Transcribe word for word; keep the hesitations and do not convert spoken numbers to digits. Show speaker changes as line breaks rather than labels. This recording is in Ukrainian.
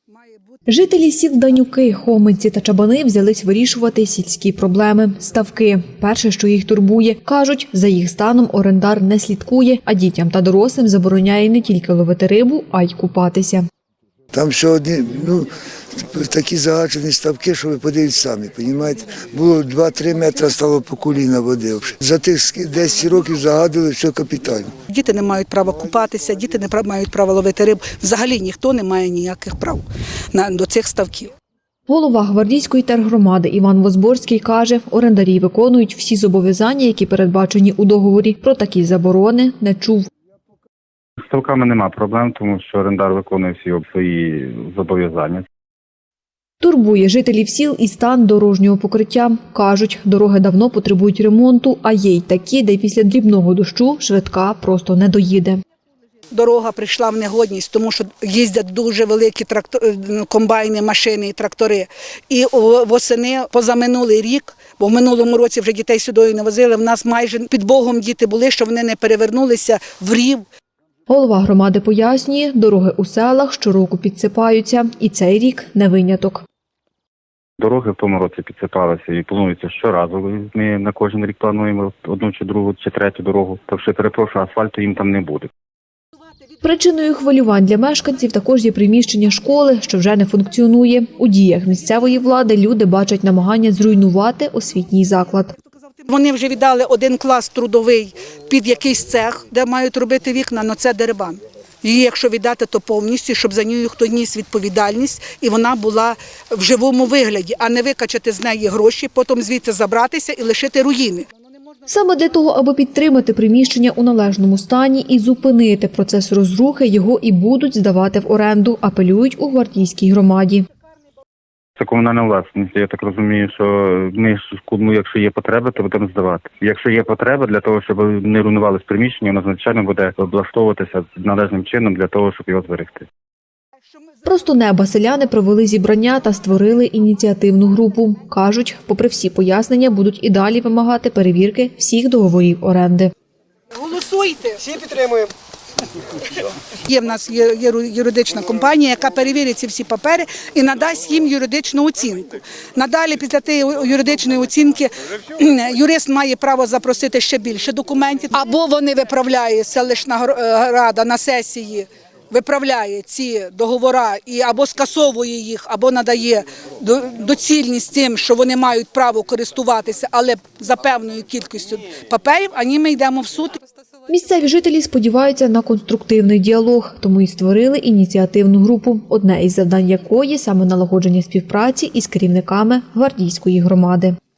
Жителі сіл Данюки, Хоминці та Чабани взялись вирішувати сільські проблеми – ставки. Перше, що їх турбує, кажуть, за їх станом орендар не слідкує, а дітям та дорослим забороняє не тільки ловити рибу, а й купатися.
Там ще одні, ну, такі загаджені ставки, що ви подивіться самі, розумієте? Було два-три метри, стало по коліна води. За тих десять років загадили все капітально.
Діти не мають права купатися, діти не мають права ловити рибу. Взагалі ніхто не має ніяких прав на, до цих ставків.
Голова Гвардійської тергромади Іван Возборський каже, орендарі виконують всі зобов'язання, які передбачені у договорі. Про такі заборони не чув.
З ставками нема проблем, тому що орендар виконує всі свої зобов'язання.
Турбує жителів сіл і стан дорожнього покриття. Кажуть, дороги давно потребують ремонту, а є й такі, де після дрібного дощу швидка просто не доїде.
Дорога прийшла в негодність, тому що їздять дуже великі трактор, комбайни, машини і трактори. І восени позаминулий рік, бо в минулому році вже дітей сюди не возили, в нас майже під Богом діти були, що вони не перевернулися в рів.
Голова громади пояснює, дороги у селах щороку підсипаються, і цей рік не виняток.
Дороги в тому році підсипалися і планується щоразу. Ми на кожен рік плануємо одну чи другу, чи третю дорогу. Так що, перепрошую, асфальту їм там не буде.
Причиною хвилювань для мешканців також є приміщення школи, що вже не функціонує. У діях місцевої влади люди бачать намагання зруйнувати освітній заклад.
Вони вже віддали один клас трудовий під якийсь цех, де мають робити вікна, але це дерибан. Її, якщо віддати, то повністю, щоб за нею хто ніс відповідальність, і вона була в живому вигляді, а не викачати з неї гроші, потім звідси забратися і лишити руїни.
Саме для того, аби підтримати приміщення у належному стані і зупинити процес розрухи, його і будуть здавати в оренду, апелюють у Гвардійській громаді.
Це комунальна власність. Я так розумію, що ми, ну, якщо є потреба, то будемо здавати. Якщо є потреба для того, щоб не руйнувалися приміщення, воно, звичайно, буде облаштовуватися належним чином для того, щоб його зберегти.
Просто неба селяни провели зібрання та створили ініціативну групу. Кажуть, попри всі пояснення, будуть і далі вимагати перевірки всіх договорів оренди.
Голосуйте!
Всі підтримуємо.
Є в нас є, є юридична компанія, яка перевірить ці всі папери і надасть їм юридичну оцінку. Надалі, після тієї юридичної оцінки, юрист має право запросити ще більше документів. Або вони виправляє селищна рада на сесії, виправляє ці договори і або скасовує їх, або надає доцільність тим, що вони мають право користуватися, але за певною кількістю паперів, а ні, ми йдемо в суд.
Місцеві жителі сподіваються на конструктивний діалог, тому і створили ініціативну групу, одне із завдань якої – саме налагодження співпраці із керівниками Гвардійської громади.